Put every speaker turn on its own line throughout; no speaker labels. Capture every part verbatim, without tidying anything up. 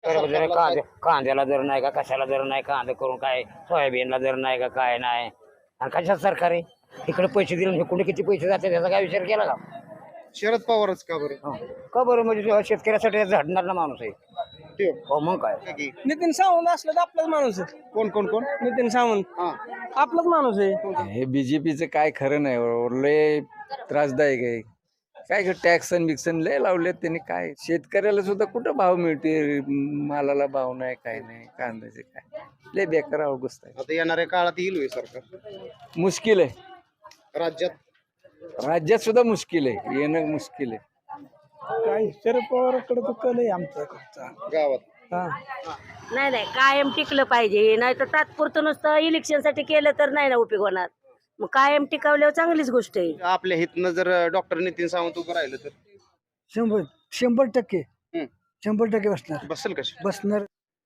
जर कांदे कांद्याला दर नाही का कशाला दर नाही कांदे करून काय सोयाबीनला दर नाही का काय नाही आणि कशात सरकार आहे इकडे पैसे दिले कुठे किती पैसे जाते त्याचा काय विचार केला का
शरद पवारच का बरं?
हं. का बरं म्हणजे शेतकऱ्यासाठी झडणार ना माणूस आहे
ते
हो मग काय
की
नितीन सावंत असलं तर आपलाच माणूस आहे.
कोण कोण कोण
नितीन सावंत
हा
आपलाच माणूस आहे.
हे बीजेपीचं काय खरं नाही बरोबर. लय त्रासदायक आहे. काय टॅक्सन बिक्सन लय लावलेत त्यांनी. काय शेतकऱ्याला सुद्धा कुठं भाव मिळते मालाला भाव नाही काय नाही कांद्याचे काय लय बेकार अवगस्त आहे.
आता येणाऱ्या काळात येईल होय सरकार
मुश्किल आहे
राज्यात
राज्यात सुद्धा मुश्किल आहे येणं मुश्किल आहे.
काय शरद पवारकडे तर कल आहे आमचा
गावात
नाही नाही कायम टिकलं पाहिजे नाही तर तात्पुरतं नुसतं इलेक्शनसाठी केलं तर नाही ना उपयोग होणार मग कायम टिकवल्यावर चांगलीच गोष्ट आहे.
आपल्या हितनं जर डॉक्टर नितीन सावंत उभं राहिलं तर
शंभर शंभर टक्के
हम्म.
शंभर टक्के बसणार
बसेल कशा
बसणार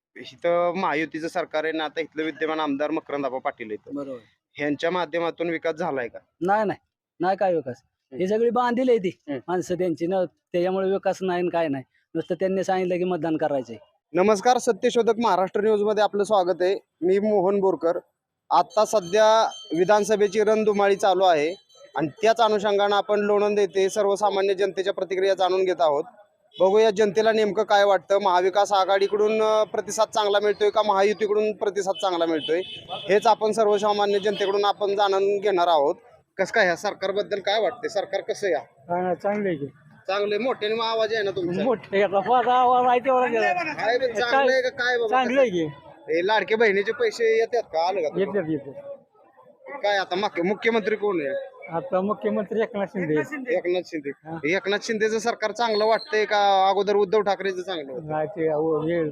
इथं महायुतीचं सरकार आहे ना आता इथलं विद्यमान आमदार मकरंदाबा पाटील आहेत
बरोबर.
ह्यांच्या माध्यमातून विकास झालाय का?
नाही नाही नाही काय विकास ही सगळी बांधील आहे ती
हम्म.
माणसं त्यांची न त्याच्यामुळे विकास नाही न काय नाही नुसतं त्यांनी सांगितलं की मतदान करायचंय.
नमस्कार, सत्यशोधक महाराष्ट्र न्यूज मध्ये आपलं स्वागत आहे. मी मोहन बोरकर. आता सध्या विधानसभेची रणधुमाळी चालू आहे आणि त्याच अनुषंगानं आपण लोणंद येथे सर्वसामान्य जनतेच्या प्रतिक्रिया जाणून घेत आहोत. बघूया जनतेला नेमकं काय वाटतं. महाविकास आघाडीकडून अं, प्रतिसाद चांगला मिळतोय का महायुतीकडून प्रतिसाद चांगला मिळतोय हेच आपण सर्वसामान्य जनतेकडून आपण जाणून घेणार आहोत. कसं काय ह्या सरकारबद्दल काय वाटतंय? सरकार कसं या
चांगले
चांगले मोठे आवाज आहे ना तुमचा?
मोठे आवाज आहे तेवढा
काय रे, चांगलं आहे का काय बाबा?
चांगलं आहे की
हे लाडके बहिणीचे पैसे येतात का? आलं का तुला?
येतात येतात.
काय आता मुख्य- मुख्यमंत्री कोण आहे?
आता मुख्यमंत्री एकनाथ शिंदे
एकनाथ शिंदे. एकनाथ शिंदेचं सरकार चांगलं वाटतंय का अगोदर उद्धव ठाकरेचं चांगलं होतं?
नाही ते अहो, हे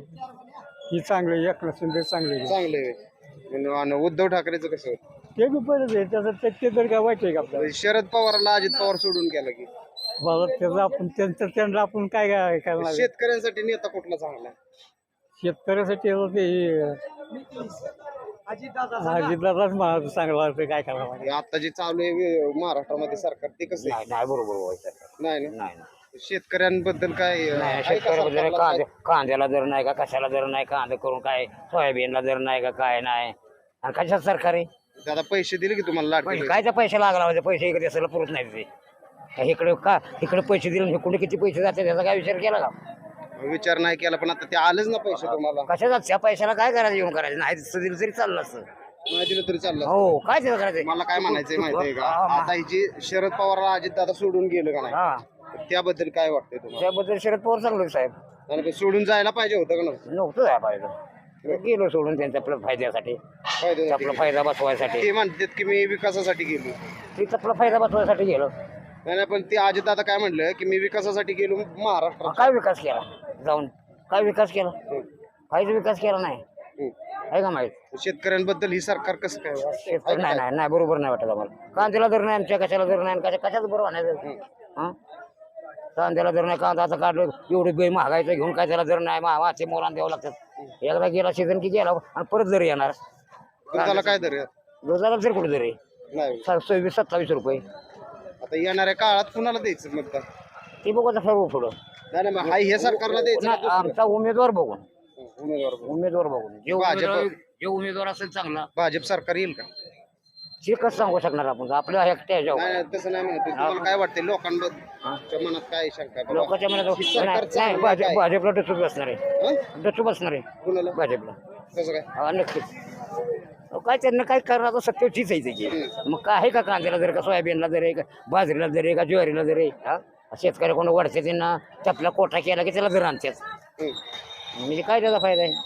ही चांगले एकनाथ शिंदे चांगले
चांगलं आहे. आणि उद्धव ठाकरेचं कसं होतं?
ते बी पहिलेच आहे त्याचं ते ते तर काय वाईट आहे का आपल्याला
शरद पवारला अजित पवार सोडून गेला की
बाबा त्याचं आपण त्यांचं त्यांना आपण काय काय करणार
शेतकऱ्यांसाठी नेता कुठला चांगला?
शेतकऱ्यासाठी आता ते अजितदादाच मला चांगलं वाटतं काय करणार
हे आता जे चालू आहे वे- महाराष्ट्रामध्ये सरकार ते कसं आहे?
नाही नाही बरोबर व्हायचं
नाही ना
नाही नाही.
शेतकऱ्यांबद्दल काय अं,
नाही
आहे का
शेतकऱ्याबद्दल
सरकारला
कांदे
काय?
कांद्याला दर नाही का कशाला दर नाही कांदे करून काय सोयाबीनला दर नाही का काय नाही आणि कशात सरकार आहे
दादा पैसे दिले की तुम्हाला लाडके
पैसे
बहीण?
काय त्या पैसे लागला म्हणजे पैसे इकडे असायला पुरत नाही ते का इकडे का इकडे पैसे दिले कुठे किती पैसे जाते त्याचा काय विचार केला का
विचार नाही केला पण आता ते आलेच ना पैसे तुम्हाला.
कशाचा त्या पैशाला काय करायचं येऊन करायचं नाही दिसतं दिलं तरी चाललं असतं
नाही दिलं तरी चाललं.
हो काय त्याचं करायचं
मला काय म्हणायचंय माहितीये का?
हा, हा.
आता ही जी शरद पवारला अजित दादा सोडून गेलं का नाही
हा
त्याबद्दल काय वाटतंय तुम्हाला?
त्याबद्दल शरद पवार चांगलं आहे साहेब
आणि ते सोडून जायला पाहिजे होतं का नव्हतं?
नव्हतं जाय पाहिजे गेलो सोडून त्यांच्या आपल्या फायद्यासाठी
फायद्यासाठी
आपला फायदा बसवायसाठी
ते म्हणतात की मी विकासासाठी गेलो.
तिथं आपला फायदा बसवायसाठी गेलो
नाही नाही, पण ते अजित दादा काय म्हणलं की मी विकासासाठी गेलो महाराष्ट्रात.
काय विकास केला जाऊन काय विकास केला काहीच विकास केला नाही
हम्म.
आहे का माहित
शेतकऱ्यांबद्दल ही सरकार कसं काय वाटतंय?
नाही नाही नाही बरोबर नाही वाटत आम्हाला कांद्याला दर नाही आमच्या कशाला दर नाही कशा कशाच बरोबर नाही हा कांद्याला दर नाही कांदा आता काढलं एवढी बे महागायचं घेऊन काय त्याला दर नाही माचे मोलान द्यावं लागतात एकदा गेला सीझन की गेला आणि परत दर येणार
दुधाला काय दर आहे?
रोजाला दर कुठे दर आहे
नाही
सा- सव्वीस सत्तावीस रुपये
आता येणाऱ्या काळात कुणाला द्यायचं मतदान?
ती बघू आता सर्व पुढं
नाही नाही, मग हाय हे सरकारला द्यायचं
नाही,
का
आमचा उमेदवार बघून
दुसरं? उमेदवार बघून.
उमेदवार बघून जे
भाजप-
उमेदवार जे उमेदवार असेल चांगला
भाजप सरकार येईल का?
ते कसं सांगू शकणार आपण आपल्या एकट्या ह्याच्यावर
नाही नाही, तसं नाही म्हणत. तुम्हाला काय वाटते लोकांबद्दल मनात काय शंका आहे बाबा?
लोकांच्या मनात
ही सरकार
नाही नाही,
चांगलं
भाजप
काय?
भाजपला डचूक बसणार आहे
हं?
डचूक बसणार आहे
कुणाला?
भाजपला
कसं काय?
हा नक्कीच अहो, काय त्यांना काय करणार आता सत्य तीच आहे त्याची मग काय आहे का कांद्याला दर का सोयाबीनला दर आहे का बाजरीला दर आहे का ज्वारीला दर आहे हा शेतकरी कोण वाढते त्यांना चपला कोठा केला की त्याला दर आणतात
हं.
म्हणजे काय त्याचा फायदा आहे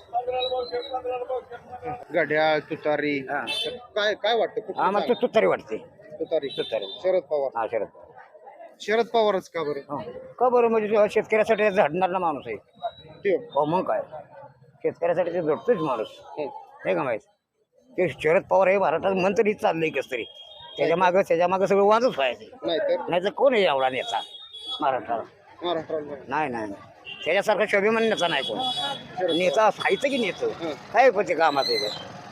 घड्याळ तुतारी
हा.
काय काय वाटतं कुठलं
आम्हाला
चांगलं?
तू तुतारी वाटते
तुतारी
तुतारी
शरद पवार.
हा शरद
शरद पवारच का बरं?
हो. का बरं म्हणजे शेतकऱ्यासाठी झडणार ना माणूस आहे
ते
हो मग काय शेतकऱ्यासाठी ते झडतोच माणूस
हं.
नाही का माहित ते शरद पवार हे भारतात मंत्रीच चाललंय कस तरी त्याच्या मागं त्याच्या मागं सगळं वाजच व्हायचं
नाही तर
नाही तर कोण आहे एवढा नेता महाराष्ट्राला
महाराष्ट्राला
नाही नाही नाही. त्याच्यासारखा शोभिमान नेता नाही कोण नेता व्हायचं की नेतं
हं.
काय पण ते कामात आहे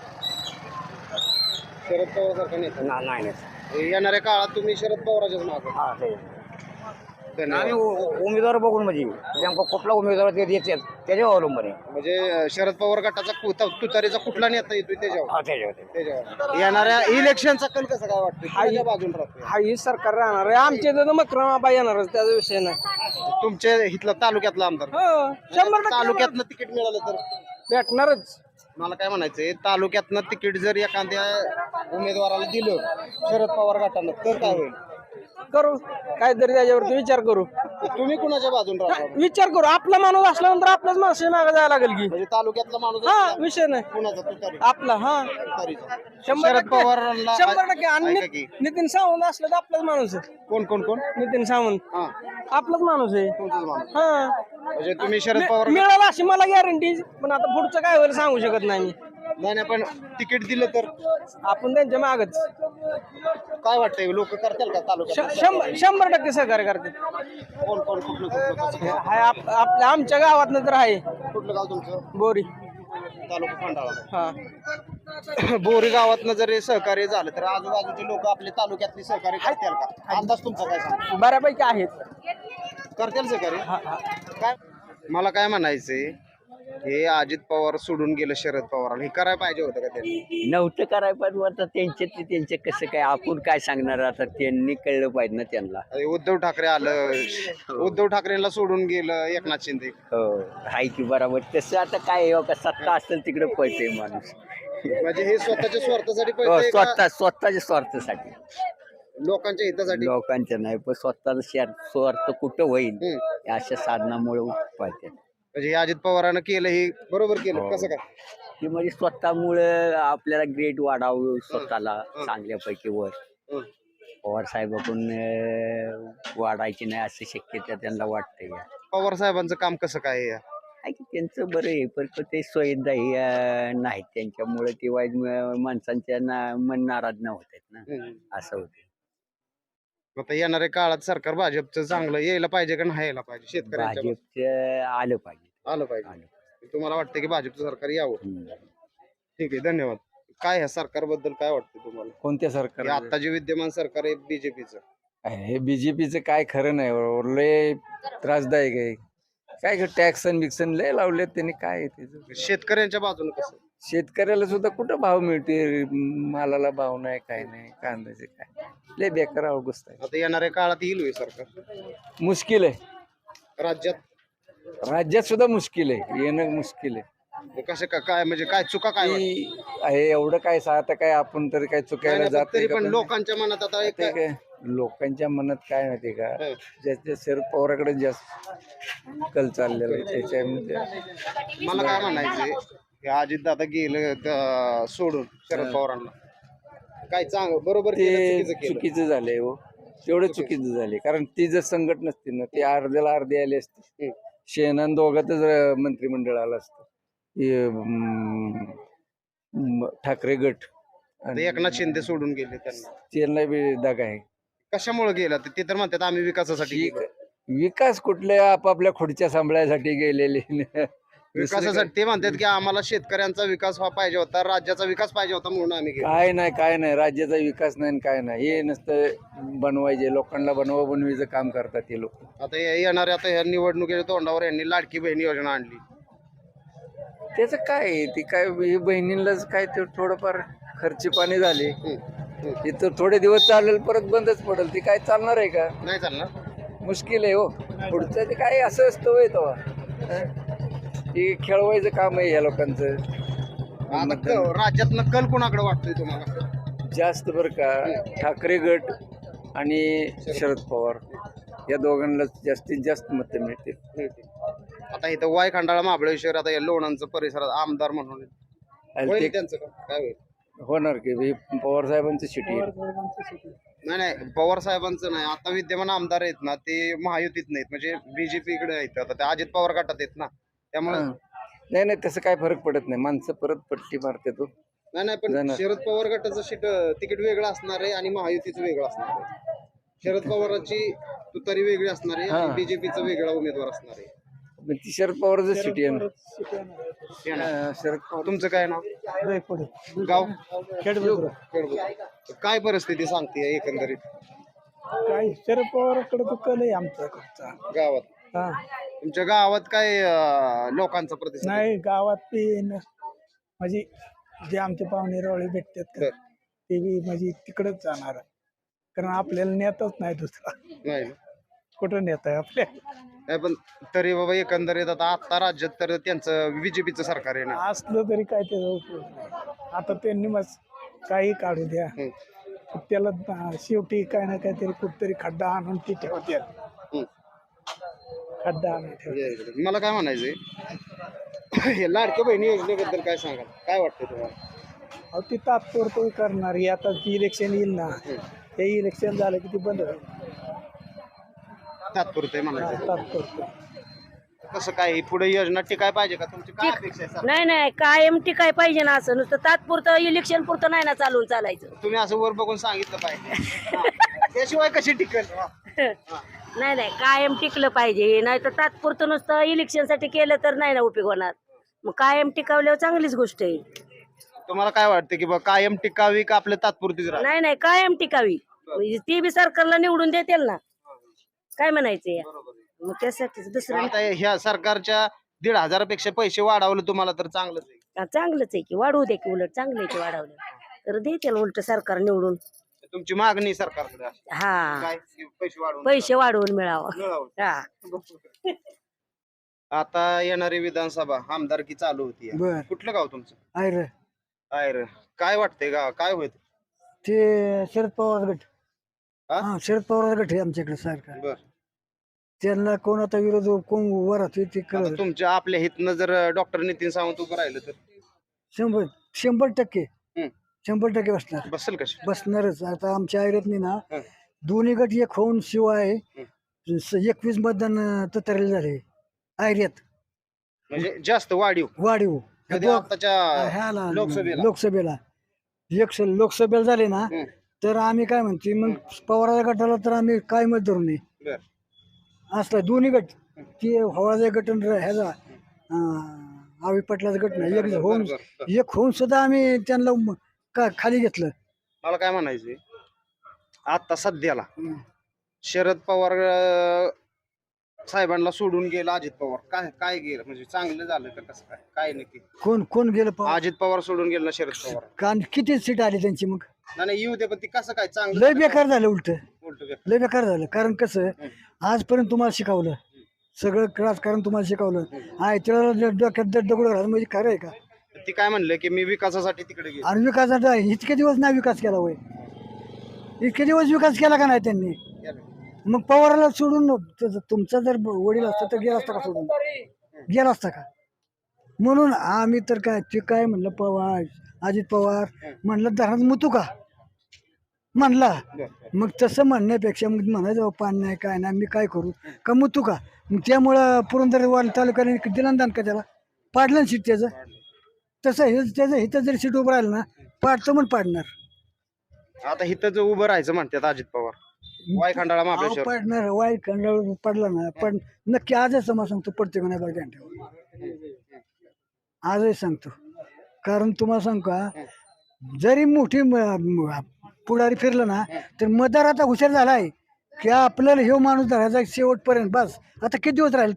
शरद पवार सारखा नेता
ना- नाही नेता
येणाऱ्या काळात तुम्ही शरद पवाराच्याच मागे.
हा ते
धन्यवाद.
आम्ही उ- उ- उमेदवार बघून म्हणजे नेमका कुठला उमेदवार ते देतात त्याच्यावर अवलंबून आहे.
म्हणजे अं, शरद पवार गटाचा कु- त- तुतारीचा कुठला नेता येतोय त्याच्यावर
हा, त्याच्यावर
त्याच्यावर येणाऱ्या इलेक्शनचा कल कसा काय वाटतं कोणाच्या बाजून राहतोय
हा ही सरकार राहणार आहे आमच्या इथं मक्रमाबा येणारच त्याचा विषय नाही
तुमच्या इथला तालुक्यातला आमदार
हो शंभर टक्के
तालुक्यातलं तिकीट मिळालं तर
भेटणारच
मला काय म्हणायचंय तालुक्यातनं तिकीट जर एखाद्या उमेदवाराला दिलं शरद पवार गटानं तर काय होईल
करू काहीतरी त्याच्यावरती विचार करू
तुम्ही कुणाच्या बाजून राहता
विचार करू आपला माणूस असल्यानंतर आपल्याच माणसाच्या मागे जायला लागेल की
म्हणजे तालुक्यातला माणूस
हा
असला,
विषय नाही
कुणाचा तुतारी
आपला हा
तुतारीचा.
शंभर
शरद
टक्के
पवारांना
शंभर टक्के आणि
ऐका की,
नि- नितीन सावंत असलं तर आपलाच माणूस आहे
कोण कोण कोण
नितीन सावंत
हा
आपलाच माणूस आहे
तुमचाच माणूस
हा
म्हणजे तुम्ही शरद पवार
मिळाला अशी मला गॅरंटी पण आता पुढचं काय होईल सांगू शकत नाही मी
नाही नाही, पण तिकीट दिलं तर
आपण त्यांच्या मागच
काय वाटतंय लोक करतील का तालुक्यात
शंभर शंभर टक्के सहकार्य करते
कोण कोण कुठलं कुठलं कसं काय?
हाय आप- आपल्या आमच्या गावात तर आहे
कुठलं गाव तुमचं
बोरी
तालुका खंडाळा
हा
बोरी गावातनं जर हे सहकार्य झालं तर आजूबाजूचे लोक आपले तालुक्यातली सहकार्य करतील का अंदाज तुमचा काय सांग
बऱ्यापैकी आहेत
करतील सहकार्य काय मला काय म्हणायचंय हे अजित पवार सोडून गेलं शरद पवार हे करायला पाहिजे होतं का त्यांनी
नव्हतं करायला पाहिजे आता त्यांचे ते त्यांचे कसं काय आपण काय सांगणार आता त्यांनी कळलं पाहिजे ना त्यांना
अरे उद्धव ठाकरे आलं उद्धव ठाकरेंना सोडून गेलं एकनाथ शिंदे
हो हाय की बरोबर तसं आता काय आहे हो का सत्ता असेल तिकडे पळते माणूस
म्हणजे हे स्वतःच्या स्वार्थासाठी
हो,
पळतंय का
स्वतः स्वतःच्या स्वार्थासाठी
लोकांच्या हितासाठी
लोकांच्या नाही पण स्वतःचा शेअर स्वार्थ कुठं होईल
हम्म.
या अशा साधनामुळे पळते
म्हणजे हे अजित पवारानं केलं हे बरोबर केलं कसं काय
की म्हणजे स्वतःमुळे आपल्याला ग्रेड वाढावं स्वतःला चांगल्यापैकी वर
हं.
पवार साहेबाकडून अं, वाढायची नाही अशी शक्यता त्यांना वाटते
पवार साहेबांचं काम कसं काय आहे?
आहे की त्यांचं बरं आहे पण तो ते सोयीदाही अं, नाहीत त्यांच्यामुळे ते वाईट म- माणसांच्या ना मन नाराज न होत आहेत ना
हं.
असं होते
आता येणाऱ्या काळात सरकार भाजपचं चांगलं यायला पाहिजे का नाही यायला पाहिजे शेतकऱ्यांच्या
भाजपचं आलं पाहिजे
आलं पाहिजे
आलं
तुम्हाला वाटतं की भाजपचं सरकार यावं
हम्म.
ठीक आहे धन्यवाद काय ह्या सरकारबद्दल काय वाटतं तुम्हाला
कोणत्या
हे
सरकार
आता जे विद्यमान सरकार आहे बीजेपीचं
हे बीजेपीचं काय खरं नाही बरोबर. लय त्रासदायक आहे काय टॅक्सन बिक्सन लय लावलेत त्यांनी काय आहे त्याचं
शेतकऱ्यांच्या बाजूने कसं
शेतकऱ्याला सुद्धा कुठं भाव मिळते मालाला भाव नाही काय नाही कांद्याचे काय लय बेकार अवगस्त आहे
आता येणाऱ्या काळात येईल होय सरकार
मुश्किल आहे
राज्यात
राज्यात सुद्धा मुश्किल आहे येणं मुश्किल आहे
मग कसं का- काय म्हणजे काय चुका काय वाटतं?
की आहे एवढं काय सा- आता काय आपण तरी काय
नाही,
चुकायला
नाही,
जात
पण तरी
नाही
पण
का?
लोकांच्या मनात आता एक
ते काय लोकांच्या मनात काय माहिती का
हं.
ज्याच्या शरद पवाराकडे जास्त कल चाललेला आहे त्याच्यामध्ये
मला काय म्हणायचंय अजित दादा गेलं त- सोडून शरद पवारांना काय चांग बरोबर केलं,
ते
चुकीचं केलं.
चुकीचं झालंय हो तेवढं चुकीचं झाले कारण ती जर संघट नसती ना ते अर्ध्याला अर्धे आले असते
हं.
शेणान दोघातच अं, मंत्रिमंडळ आलं असतं हे, अं, म- ठाकरे गट
आता एकनाथ शिंदे सोडून गेले त्यांना
त्यांना बी दगा आहे
कशामुळे गेला ते ते तर म्हणतात आम्ही विकासासाठी
विक-
गेलो.
विकास कुठल्या आपापल्या खुर्च्या सांभाळायसाठी गेलेले
विकासासाठी ते म्हणतात की आम्हाला शेतकऱ्यांचा विकास व्हा पाहिजे होता राज्याचा विकास पाहिजे होता म्हणून आम्ही गेलो
काय नाही काय नाही राज्याचा विकास नाही आणि काय नाही हे नसतं बनवायचे लोकांना बनवा बनवीचं काम करतात ते लोक
आता हे येणाऱ्या आता ह्या निवडणुकीच्या तोंडावर यांनी लाडकी बहीण योजना आणली
त्याचं काय आहे? ती काय हे बहिणींनाच काय ते थोडंफार खर्ची पाणी झाले
हं. हं.
इथं थोडे दिवस चालेल परत बंदच पडेल ती काय चालणार आहे का
नाही चालणार
मुश्किल आहे हो पुढचं ते काय असं असतं होय तेव्हा हं? ते खेळवायचं काम आहे या लोकांचं
आता क- राज्यातनं कल कोणाकडे वाटतोय तुम्हाला
जास्त बरं का ठाकरे गट आणि शरद पवार या दोघांना जास्तीत जास्त मतं मिळतील
आता इथं वाय खंडाळा महाबळेश्वर आता या लोणांचं परिसरात आमदार म्हणून
आणि
होईल
ते
त्यांचं का? काय होईल
होणार की हे पवार साहेबांची शिटी आहे
नाही नाही पवार साहेबांचं नाही आता विद्यमान आमदार आहेत ना ते महायुतीत नाहीत म्हणजे बीजेपी कडे आहेत आता ते अजित पवार गटात आहेत ना त्यामुळे
हं. नाही नाही तसं काय फरक पडत नाही माणसं परत पट्टी मारते तो
नाही नाही पण
जाणार.
शरद पवार गटाचं सीट तिकीट वेगळं असणार आहे आणि महायुतीचं वेगळं असणार आहे शरद पवारांची तुतारी वेगळी असणार आहे आणि
हा.
बीजेपीचा वेगळा उमेदवार असणार आहे
पण ती शरद पवारचं सिटी आहे ना
हे ना.
हं, शरद पवार
तुमचं काय नाव गाव खेडबुद्रुक. काय परिस्थिती सांगते एकंदरीत
काय शरद पवाराकडे तो कल आहे आमच्याकडचा.
गावात
हा
तुमच्या गावात काय अं, लोकांचा प्रतिसाद आहे?
नाही गावात बी न- म्हणजे जे आमचे पाहुणे रावळे भेटतात का
बर.
ते बी म्हणजे तिकडच जाणार कारण आपल्याला नेताच नाही दुसरा.
नाही ना?
कुठं नेत आहे आपल्या.
नाही पण तरी बाबा एकंदरीत आता आता राज्यात तर त्यांचं बीजेपीचं सरकार आहे ना.
असलं तरी काय त्याचा उपयोग नाही. आता त्यांनी मग काही काढू द्या
हम्म.
त्याला अं, शेवटी काय ना काहीतरी कुठतरी खड्डा आणून ती ठेवत्यात.
हम्म.
खड्डा आणून ठेवत्यात.
मला काय म्हणायचंय हे लाडक्या बहिणी योजनेबद्दल काय सांगाल, काय वाटतं तुम्हाला?
अहो ती तात्पुरतं करणार ही आता इलेक्शन येईल ना ते इलेक्शन झालं की ती बंद होईल.
तात्पुरते म्हणायचं
तात्पुरतं
कसं काय ही पुढे योजना टिकाय पाहिजे का, तुमची काय अपेक्षा आहे सर?
नाही नाही कायम टिकाय पाहिजे ना असं नुसतं तात्पुरतं इलेक्शन पुरतं नाही ना चालून चालायचं.
तुम्ही असं वर बघून सांगितलं पाहिजे हा. त्याशिवाय कशी टिकेल हा.
नाही नाही कायम टिकलं पाहिजे नाही तर तात्पुरतं नुसतं इलेक्शनसाठी केलं तर नाही ना उपयोग होणार. मग कायम टिकवल्यावर चांगलीच गोष्ट आहे.
तुम्हाला काय वाटतं की बा कायम टिकावी का आपल्या तात्पुरतीच राहा?
नाही नाही कायम टिकावी म्हणजे ती बी सरकारला निवडून देतील ना काय म्हणायचंय मग त्यासाठीच दुसरं
आता ह्या सरकारच्या दीड हजारापेक्षा पैसे वाढवले तुम्हाला तर चांगलंच आहे.
नाही. चांगलंच आहे की वाढवू दे की उलट चांगलं आहे की वाढवलं तर देतील उलट सरकार निवडून.
तुमची मागणी सरकारकडे आहे.
हा
काय की पैसे वाढवून
पैसे वाढवून मिळावं.
मिळावं.
हा
आता येणारी विधानसभा आमदारकी चालू होती
बर
कुठलं गाव तुमचं?
आहे
आयर काय वाटतंय गाव काय होत?
ते शरद पवार गट.
हा?
हा शरद पवार गट आहे आमच्याकडे सरकार.
बर
त्यांना कोण आता विरोध कोण वर राहतोय ते
आता
कळत.
तुमच्या आपल्या हितनं जर डॉक्टर नितीन सावंत उभं राहिलं तर
शंभर शंभर टक्के
हम्म.
शंभर टक्के बसणार
बसेल कशी?
बसणारच. आता आमच्या आयरतनी ना
हं.
दोन्ही गट एक होऊन शिवाय स- एकवीस मतदान तुतारेल झाले आयर्यात
म्हणजे जास्त वाढीव
वाढीव
कधी
दोघ-
आताच्या
ह्याला
लोकसभेला?
लोकसभेला एक स- लोकसभेला झाले ना
हं.
तर आम्ही काय म्हणते मग पवाराच्या गटाला तर आम्ही काय मत धरू नये
बर.
असला दोन्ही गट ते हवाळाचा गट आणि ह्याचा अं, आवी पाटलाचा गट नाही एक होऊन
बर, बर.
एक होऊन सुद्धा आम्ही त्यांना म- का खाली घेतलं.
मला काय म्हणायचंय आता सध्याला शरद पवार अं, साहेबांना सोडून गेला अजित पवार काय काय गेलं म्हणजे चांगलं झालं का कसं काय काय नक्की?
कोण कोण गेलं पवार?
अजित पवार सोडून गेला ना शरद पवार?
का किती सीट आली त्यांची मग
नाही, नाही येऊ दे पण ती कसं काय चांगलं
लय बेकार झालं उलट
उलटं बेकार.
लय बेकार झालं. कारण कसं आजपर्यंत तुम्हाला शिकवलं सगळं राजकारण तुम्हाला शिकवलं आहे त्याला डोक्यात दगड दगड घालून म्हणजे खरं आहे का?
ती काय म्हणलं की मी विकासासाठी तिकडे गेलो.
आणि विकासाचा इतके दिवस नाही विकास केला होय इतके दिवस विकास केला का नाही त्यांनी? मग पवाराला सोडून त- तुमचा जर वडील असता तर गेला असता का सोडून गेला असता का? म्हणून आम्ही तर काय ते काय म्हणलं पवार अजित पवार म्हणलं धरणात मुतू का म्हणला. मग तसं म्हणण्यापेक्षा मग म्हणायचं "बाबा, पाणी नाही काय नाही मी काय करू का मुतू का?" मग त्यामुळं पुरंदर तालुक्याने दिलं दान का त्याला पाडलं ना सीट त्याचं. तसं हे त्याचं इथं जरी सीट उभं राहिलं ना पाडतं म्हणून पाडणार.
आता इथं जो उभं राहायचं म्हणतात अजित पवार वाय खंडाळा
अहो,
महाबळेश्वर
पडणार वाईट खंडाळून पडला ना पण नक्की आजच समाज सांगतो पडते का नाही बघा ध्यान ठेवा. आजही सांगतो कारण तुम्हाला सांगू का जरी मोठी म- म- पुढारी फिरलं ना तर मतदार आता हुशार झाला आहे की आपल्याला हे माणूस धरायचा शेवटपर्यंत बस. आता किती दिवस राहील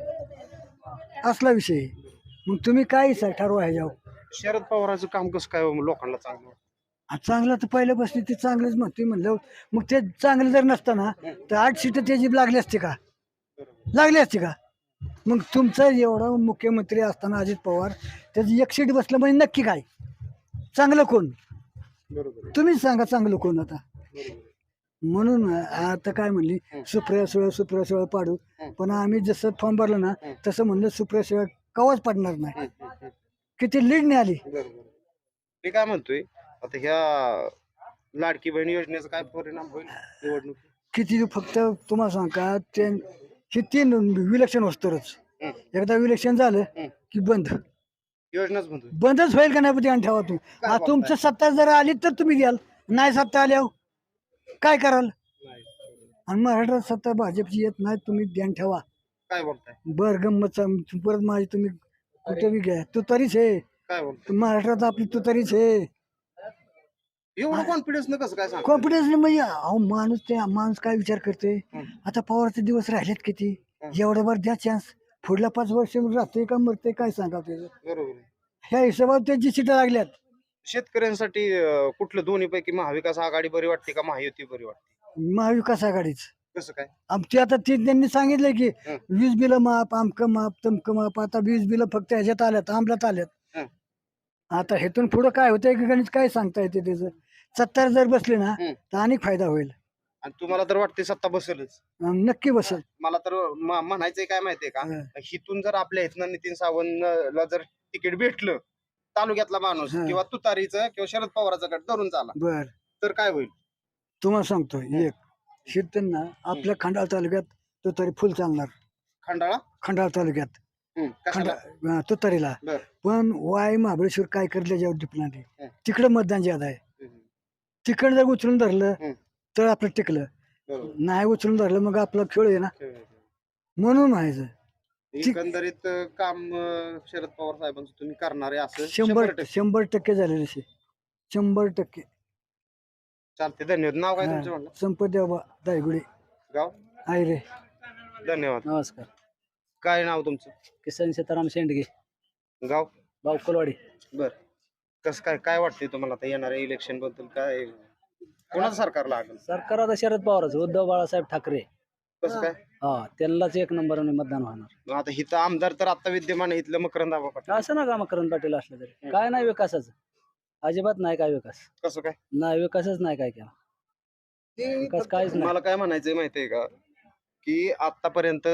पवाराचा असला विषय आहे. मग तुम्ही काय सा- ठरवा ह्याच्यावर.
शरद पवाराचं काम कसं काय लोकांना चांगलं वाटतं?
आ, चांगलं तर पहिल्यापासून ते चांगलंच म्हणते म्हणलं मग ते चांगलं जर नसतं तर आठ सीट त्याची लागली असते का लागली असते का? मग तुमचा एवढा मुख्यमंत्री असताना अजित पवार त्याची एक सीट बसलं म्हणजे नक्की काय चांगलं कोण
बरोबर
तुम्हीच सांगा चांगलं कोण आता. म्हणून आता काय म्हणली सुप्रिया सुळे सुप्रिया सुळे पाडू पण आम्ही जसं फॉर्म भरलं ना तसं म्हणलं सुप्रिया सुळे कवाच पडणार नाही. किती लीड नाही आली.
बरोबर मी काय म्हणतोय आता ह्या लाडकी बहीण योजनेचा काय परिणाम होईल निवडणूक?
किती फक्त तुम्हाला सांग का ते हे तीन विलक्षण वस्तूरच एकदा विलक्षण झालं की बंद
योजनाच म्हणतोय
बंदच होईल का नाही पण ध्यान ठेवा तुम्ही. आ, तुमचं सत्ता जर आली तर तुम्ही द्याल नाही सत्ता आल्यावर काय कराल? आणि महाराष्ट्रात सत्ता भाजपची येत नाही तुम्ही ध्यान ठेवा.
काय बोलताय
बर गंमत परत माझी तुम्ही कुठे बी घ्या तू तरीच आहे
काय बोलताय
महाराष्ट्रात आपली तू तरीच आहे.
एवढं कॉन्फिडन्स न कसं काय सांग
कॉन्फिडन्स म्हणजे अहो माणूस ते माणूस काय विचार करते
हं.
आता पवारचे दिवस राहिलेत किती
हं.
एवढं बरं द्या चान्स पुढल्या पाच वर्ष राहतोय का मरते काय सांगा त्याचं
बरोबर आहे.
ह्या हिशोबात त्यांची सीटं लागल्यात
शेतकऱ्यांसाठी अं, कुठलं दोन्ही पैकी महाविकास आघाडी बरी वाटते का महायुती बरी वाटते?
महाविकास आघाडीच
कसं काय?
आमची आता ती त्यांनी सांगितलं की
हं.
वीज बिलं माप आमकं माप तमकं माप आता वीज बिलं फक्त ह्याच्यात आल्यात अंमलात आल्यात
हं.
आता हेतून पुढं काय होतंय की गणित काय सांगता येते त्याचं सत्तर जर बसले ना
हं.
तर अनेक फायदा होईल
आणि तुम्हाला तर वाटते सत्ता बसेलच?
अं, नक्की बसेल
मला तर म- म्हणायचंय काय माहितीये का,
हं.
हिथून जर आपल्या इथनं नितीन सावंतला जर तिकीट भेटलं, तालुक्यातला माणूस
हं.
किंवा तुतारीचं किंवा शरद पवाराचा गट धरून चाला,
बर
तर काय होईल?
तुम्हाला सांगतो एक शेतकऱ्यांना आपल्या खंडाळा तालुक्यात तो तरी फुल चालणार
खंडाळा
खंडाळा तालुक्यात
हं,
खंडा
कशाला?
अं, तुतारीला
बर.
पण वाय महाबळेश्वर काय करले जेव्हा डिपणार
हं.
तिकडं मतदान ज्यादा आहे
हं,
तिकडं जर उचलून धरलं
हं.
तर आपलं टिकलं
बरोबर.
नाही उचलून धरलं मग आपलं खेळ आहे ना म्हणून व्हायचं
एकंदरीत अं, काम अं, शरद पवार साहेबांचं तुम्ही करणार आहे असं
शंभर
टक्के.
शंभर टक्के झालेले शे शंभर टक्के
चालते, धन्यवाद. नाव काय तुमचं
हा.
म्हणलं?
संपदेव दायगुडे
गाव?
आहे रे
धन्यवाद.
नमस्कार.
काय नाव तुमचं?
किसन सीताराम शेंडगे,
गाव?
बावकुलवाडी.
बर. कसं काय काय वाटतंय तुम्हाला आता येणाऱ्या इलेक्शन बद्दल? काय कोणाचं सरकार लागेल?
सरकार आता शरद पवारच, उद्धव बाळासाहेब ठाकरे.
कसं काय?
हा त्यांनाच एक नंबरने मतदान होणार.
मग आता हिथं आमदार तर आता विद्यमान आहे, इथलं मकरंद आबा पाटील.
असं ना का मकरंद पाटील असलं तरी काय नाही विकासाचं, अजिबात नाही काय विकास,
कसं काय?
नाही विकासच नाही काय केला, विकास काहीच नाही.
मला काय म्हणायचंय माहितीये का, की आतापर्यंत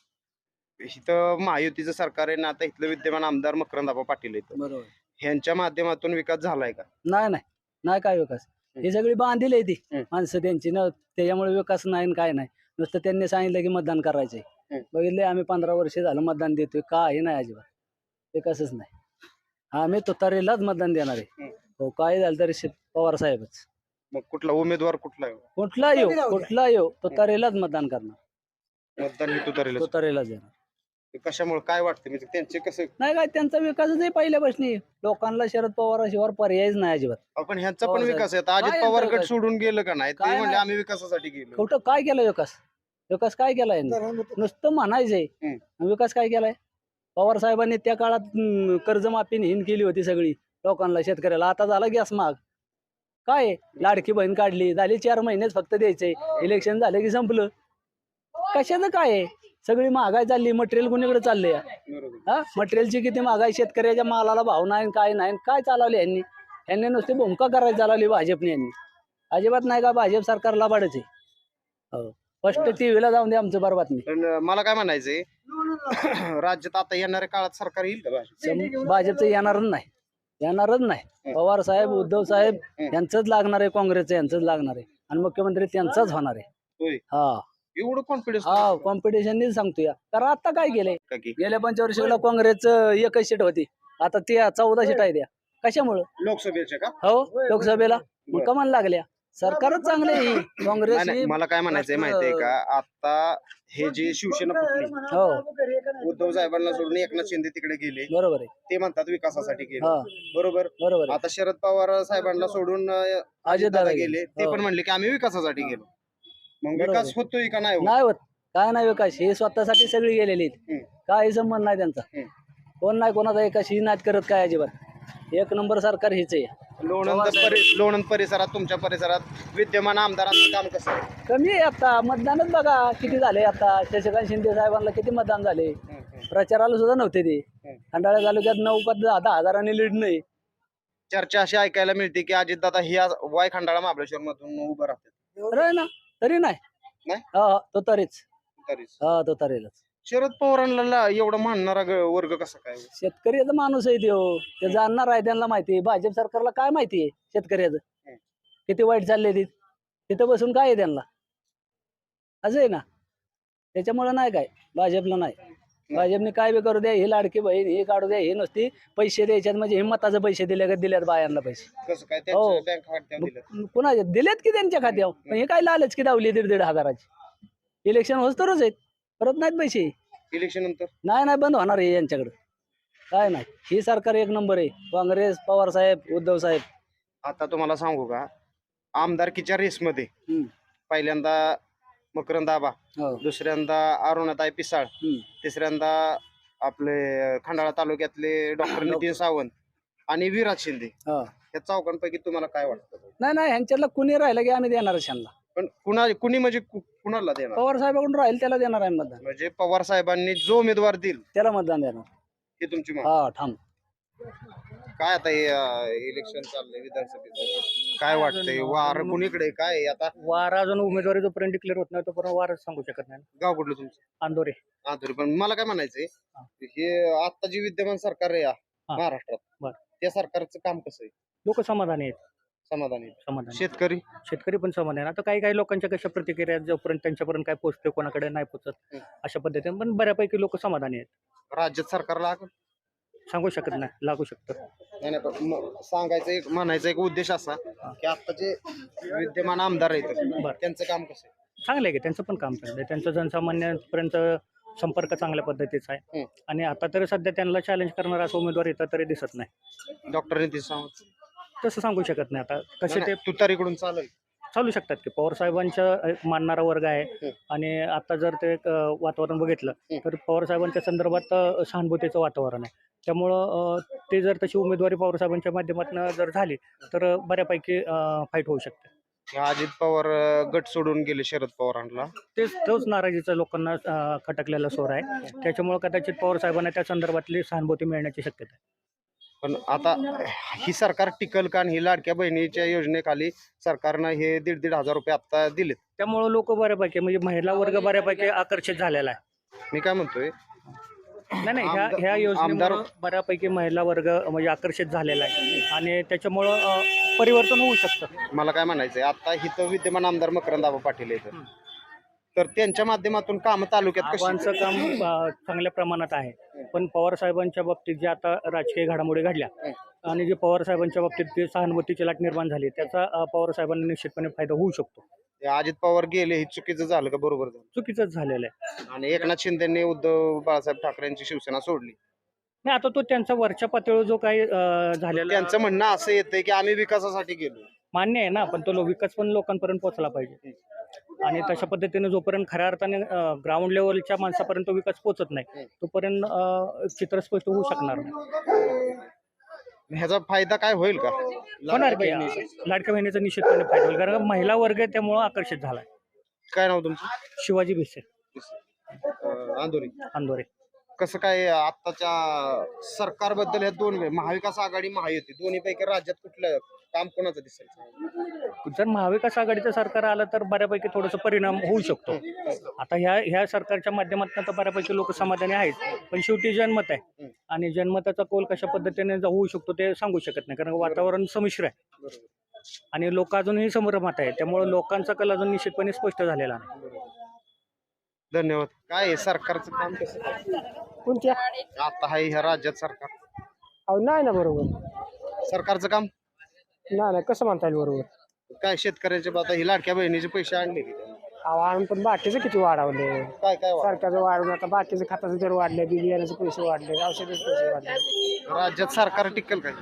इथं महायुतीचं सरकार आहे ना, आता इथलं विद्यमान आमदार मकरंद आबा पाटील आहेत,
बरोबर.
ह्यांच्या माध्यमातून विकास झालाय का?
नाही नाही नाही काय विकास, ही सगळी बांधील आहे ती
हं.
माणसं त्यांची ना, त्याच्यामुळे विकास नाही न काय नाही. नुसतं त्यांनी सांगितलं की मतदान करायचंय.
हं.
बघितले आम्ही पंधरा वर्ष झालं मतदान देतोय, काही नाही अजिबात विकासच नाही. आम्ही तुतारीलाच मतदान देणार आहे.
हं.
हो काय झालं तरी शे- पवार साहेबच,
मग कुठला उमेदवार कुठला आहे?
कुठला येऊ कुठला येऊ तुतारीलाच मतदान करणार,
मतदान हे तुतारीला.
तुतारीलाच देणार.
कशामुळे काय वाटतं म्हणजे त्यांचे कसं?
नाही काय त्यांचा विकासच आहे पहिल्यापासून, लोकांना शरद पवाराशिवाय पर्यायच नाही अजिबात.
आपण ह्यांचा पण
पवार
विकास आहे. आता
काय
अजित
यांचा
पवार गट
विकास?
सोडून गेलं का नाही? ते
काय
म्हणजे
नाही.
आम्ही विकासासाठी गेलो.
कुठं काय केलं विकास, विकास काय केलाय यांनी? नुसतं म्हणायचंय,
हं.
विकास काय केलाय? पवार साहेबांनी त्या काळात हम्म, कर्जमाफी हिन केली होती सगळी लोकांना, शेतकऱ्याला. आता झाला गॅस महाग, काय आहे? लाडकी बहीण काढली, झाली चार महिनेच फक्त द्यायचंय, इलेक्शन झालं की संपलं. कशाचं काय आहे? सगळी महागाई चालली, मटेरियल कुणीकडे चाललंय?
बरोबर.
हा मटेरियलची किती महागाई, शेतकऱ्याच्या मालाला भाव नाही, काय नाही, काय चालवले यांनी? यांनी नुसती भूमिका करायला चालवली भाजपने. यांनी अजिबात नाही का भाजप सरकारला बाडच आहे. हो फर्स्ट टीव्हीला जाऊन दे आमचं बरं बातमी.
पण मला काय म्हणायचंय, राज्यात आता येणाऱ्या काळात सरकार येईल का भाजप?
सम- भाजपचं येणारच नाही, येणारच नाही. पवार साहेब, उद्धव साहेब यांचंच लागणार आहे, काँग्रेसचं यांचंच लागणार आहे, आणि मुख्यमंत्री त्यांचाच होणार आहे.
होय.
हा
एवढं कॉन्फिडन्स?
हा कॉम्पिटिशन सांगतोय. कारण आता काय केलंय,
का की
गेल्या पंचवर्षीला काँग्रेसचं एकच सीट होती, आता ते चौदा सीट आहे त्या. कशामुळं?
लोकसभेचे का?
हो लोकसभेला मग कमान लागल्या. सरकारच चांगले ही काँग्रेस
नाही, नाही,
ही-
मला काय म्हणायचंय माहितीये का, आता हे जे शिवसेना फुटली,
हो
उद्धव साहेबांना सोडून एकनाथ शिंदे तिकडे गेले,
बरोबर आहे.
ते म्हणतात विकासासाठी गेले.
हा
बरोबर.
बरोबर आहे.
आता शरद पवार साहेबांना सोडून अं, अजितदादा गेले, ते
हो.
पण म्हणले की आम्ही विकासासाठी गेलो. मग
बरोबर
विकास
आहे.
होतोय का नाही होत?
नाही होत, काय नाही विकास, हे स्वतःसाठी सगळी गेलेली आहेत.
हम्म.
काही संबंध नाही त्यांचा,
हम्म.
कोण नाही कोणाचा एकाशी नाद करत काय अजिबात. एक नंबर सरकार हेच आहे.
लोणंद परि- लोणंद परिसरात, तुमच्या परिसरात विद्यमान आमदारांचं काम कसं आहे?
कमी आहे आता, मतदानच बघा किती झाले. आता शशिकांत शिंदे साहेबांना किती मतदान झाले,
हम्म, हम्म.
प्रचाराला सुद्धा नव्हते ते.
हम्म.
खंडाळा तालुक्यात नऊ का दहा दहा हजारांनी लीड नाही.
चर्चा अशी ऐकायला मिळते की अजितदादा ही आज वाय खंडाळा महाबळेश्वर मधून उभं राहतात.
अरे ना तरी नाही,
नाही?
हा हा, तो तरीच
तरीच
हा तो तरीलाच.
शरद पवारांना एवढं मानणारा ग- वर्ग कसा काय?
शेतकऱ्याचा माणूस आहे तो, ते जाणणार आहे, त्यांना माहिती आहे. भाजप सरकारला काय माहिती आहे शेतकऱ्याचं
हम्म.
किती वाईट चालले ते, तिथं बसून काय आहे त्यांना, असं आहे ना. त्याच्यामुळं नाही काय भाजपला नाही. भाजपने काय बी करू द्या, ही लाडकी बहीण हे काढू द्या, हे नुसती पैसे द्यायच्यात म्हणजे हिंमताचे पैसे दिले का दिल्यात बायांना पैसे.
कसं काय
हो.
त्यांच्या बँक खात्यावर दिलं?
पुन्हा दिलेत की त्यांच्या खात्यावर, पण हे काय लालच की दावली दीड दीड हजाराची. इलेक्शन होत तरच आहेत, परत नाहीत पैसे.
इलेक्शन नंतर
नाही नाही बंद होणार आहे यांच्याकडं, काय नाही. ही सरकार एक नंबर आहे, काँग्रेस, पवार साहेब, उद्धव साहेब.
आता तुम्हाला सांगू का, आमदारकीच्या रेसमध्ये
हम्म.
पहिल्यांदा मकरंद आबा,
हो.
दुसऱ्यांदा अरुणाताई पिसाळ,
हम्म.
तिसऱ्यांदा आपले खंडाळा तालुक्यातले डॉक्टर नितीन सावंत आणि विराज शिंदे.
हो.
या चौघांपैकी तुम्हाला काय वाटतं?
नाही नाही ह्यांच्यातलं कुणी राहिलं की आम्ही देणारच ह्यांना.
पण कुणा कुणी म्हणजे कु- कुणाला देणार?
पवार साहेबाकडून राहील त्याला देणार आहे मतदान.
म्हणजे पवार साहेबांनी जो उमेदवार देईल
त्याला मतदान देणार.
हे तुमची मा-
हा ठाम.
काय आता हे इलेक्शन चाललंय विधानसभेचं, काय वाटतंय? वार कुणीकडे काय आहे आता?
वार अजून उमेदवारी जोपर्यंत डिक्लेअर होत नाही तोपर्यंत वारच सांगू शकत नाही.
गाव कुठलं तुमचं?
अंदोरे.
हा तरी पण मला काय म्हणायचंय, हे आता जे विद्यमान सरकार आहे या
हा.
महाराष्ट्रात,
बरं.
त्या सरकारचं काम कसं आहे?
लोक समाधानी आहेत.
समाधानी?
समाधानी.
शेतकरी?
शेतकरी पण समाधानी आहे. आता काही काही लोकांच्या कशा प्रतिक्रिया आहेत, जोपर्यंत त्यांच्यापर्यंत काय पोहोचते कोणाकडे नाही पोहोचत
हं.
अशा पद्धतीने, पण बऱ्यापैकी लोक समाधानी आहेत.
राज्यात सरकारला आग-
सांगू शकत नाही, लागू शकतं.
नाही नाही, पण म- सांगायचं एक म्हणायचा एक उद्देश असा की आता जे विद्यमान आमदार आहेत
बरं.
त्यांचं काम कसं आहे?
चांगलं आहे की त्यांचं पण काम चांगलं आहे. त्यांचं जनसामान्यांपर्यंत संपर्क चांगल्या पद्धतीचा आहे.
हं.
आणि आता तरी सध्या त्यांना चॅलेंज करणारा असं उमेदवार येतं तरी दिसत नाही.
डॉक्टर नितीन सावंत
तसं सांगू शकत नाही. आता कसे ते
तुतारीकडून चालेल?
चालू शकतात की पवार साहेबांचं एक मानणारा वर्ग आहे.
हं.
आणि आता जर ते एक, अ, वातावरण बघितलं
हं.
तर पवार साहेबांच्या संदर्भात अ, सहानुभूतीचं वातावरण आहे. त्यामुळं अ, ते जर तशी उमेदवारी पवार साहेबांच्या माध्यमातून जर झाली तर बऱ्यापैकी फाईट होऊ शकते.
अजित पवार अं, गट सोडून गेले शरद पवारांना.
तेच तोच नाराजीचा लोकांना अ, खटकलेला सोर आहे. त्याच्यामुळे कदाचित पवार साहेबांना त्या संदर्भातली सहानुभूती मिळण्याची शक्यता आहे.
पण आता ही सरकार टिकल का? आणि ही लाडक्या बहिणीच्या योजनेखाली सरकारनं हे दीड दीड हजार रुपये आता दिलेत.
त्यामुळं लोक बऱ्यापैकी म्हणजे महिला वर्ग बऱ्यापैकी आकर्षित झालेला आहे.
मी काय म्हणतोय,
नाही नाही ह्या
आमदार-
ह्या योजनेमुळे
आमदार-
बऱ्यापैकी महिला वर्ग म्हणजे आकर्षित झालेला आहे. आणि त्याच्यामुळं अ, परिवर्तन होऊ शकतं.
मला काय म्हणायचंय, आता इथं विद्यमान आमदार मकरंद आबा पाटील आहेत, तर त्यांच्या माध्यमातून काम तालुक्यात कशी?
आबांचं काम अ, चांगल्या प्रमाणात आहे. पण पवार साहेबांच्या बाबतीत जे आता राजकीय घडामोडी घडल्या आणि जे पवार साहेबांच्या बाबतीत जे सहानुभूतीची लाट निर्माण झाली त्याचा अ, पवार साहेबांना निश्चितपणे फायदा होऊ शकतो.
ते अजित पवार गेले हे चुकीचं झालं का बरोबर झालं?
चुकीचंच झालेलं आहे.
आणि एकनाथ शिंदेने उद्धव बाळासाहेब ठाकरेंची शिवसेना सोडली.
नाही आता तो त्यांचा वरच्या पातळीवर जो काही अ, झालेला
त्यांचं म्हणणं असं येतंय की आम्ही विकासासाठी गेलो.
मान्य आहे ना, पण तो लो- विकास पण लोकांपर्यंत पोहोचला पाहिजे. आणि तशा पद्धतीने जोपर्यंत खऱ्या अर्थाने ग्राउंड लेवलच्या माणसापर्यंत विकास पोहोचत नाही तोपर्यंत अ, चित्र स्पष्ट होऊ शकणार नाही.
ह्याचा फायदा काय होईल का?
होणार की लाडक्या बहिणीचा निश्चितपणे फायदा होईल, कारण महिला वर्ग त्यामुळं आकर्षित झालाय.
काय नाव तुमचं?
शिवाजी भिसे,
अं, आंदोरी.
अंदोरे.
कसं काय आताच्या सरकारबद्दल ह्या दोन महाविकास आघाडी महायुती दोन्ही पैकी राज्यात कुठलं काम कोणाचं दिसेल?
जर महाविकास आघाडीचं सरकार आलं तर बऱ्यापैकी थोडंसं परिणाम होऊ शकतो. आता ह्या ह्या सरकारच्या माध्यमातून तर बऱ्यापैकी लोक समाधानी आहेत, पण शेवटी जनमत आहे आणि जनमताचा कौल कशा पद्धतीने होऊ शकतो ते सांगू शकत नाही, कारण वातावरण संमिश्र आहे आणि लोक अजूनही संभ्रमात आहे. त्यामुळे लोकांचा कल अजून निश्चितपणे स्पष्ट झालेला नाही.
धन्यवाद. काय आहे सरकारचं काम कसं काय?
कोणत्या?
आता आहे ह्या राज्यात सरकार,
अहो नाही ना बरोबर.
सरकारचं काम
नाही नाही कसं म्हणता येईल बरोबर?
काय? शेतकऱ्याचे आता ही लाडक्या बहिणीचे पैसे आणले की त्यांनी?
अहो आणून पण बाकीचं किती वाढवले.
काय काय वाटतं?
सरकारचं वाढवून आता बाकीचं खताचे दर वाढले, बी बियाण्याचे पैसे वाढले, औषधाचे पैसे वाढले.
राज्यात सरकार टिकल काय?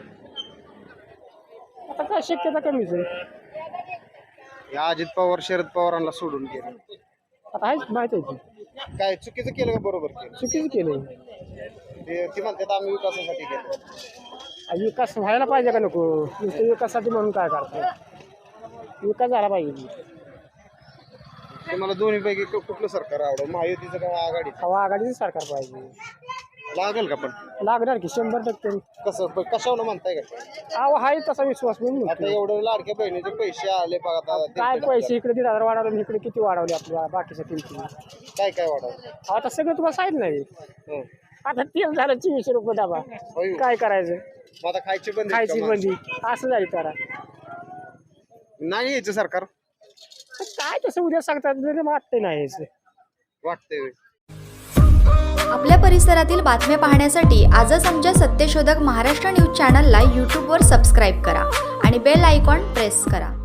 आता काय शक्यता कमीच आहे.
या अजित पवार शरद पवारांना सोडून गेले,
आता आहेच माहिती आहे की
काय चुकीचं केलं का बरोबर केलं?
चुकीचं केलंय.
ते ती म्हणतात आम्ही विकासासाठी गेलो.
आणि विकास व्हायला पाहिजे का नको? नुसतं विकासासाठी म्हणून काय करतो? विकास झाला पाहिजे.
तुम्हाला दोन्ही पैकी कु- कुठलं सरकार आवडलं, महायुतीचं का आघाडीचं?
हवा आघाडीचं सरकार पाहिजे.
लागेल का? पण
लागणार की शंभर टक्के.
कसं प- कशावर म्हणताय का?
अहो आहे तसा विश्वास म्हणून
आता
म्हणतो.
एवढे लाडक्या बहिणीचे पैसे आले बघा आता
काय
दीड-
पैसे इकडे दीड हजार वाढवले आणि इकडे किती वाढवले आपल्या बाकीच्या किमती.
काय काय वाढवलं?
आता सगळं तुम्हाला सांगितलं नाही.
हं.
आता तेल झालं चोवीसशे रुपये डबा.
होय.
काय करायचं?
मग आता खायची बंदी
खायची
का मग?
बंदी असं जाईल करा.
नाही यायचं सरकार
तर काय तसं उद्या सांगतात वाटतंय नाही यायचं.
वाटतंय.
आपल्या परिसरातील बातम्या पाहण्यासाठी आजच आमच्या सत्यशोधक महाराष्ट्र न्यूज चॅनलला यूट्यूबवर सबस्क्राईब करा आणि बेल आयकॉन प्रेस करा.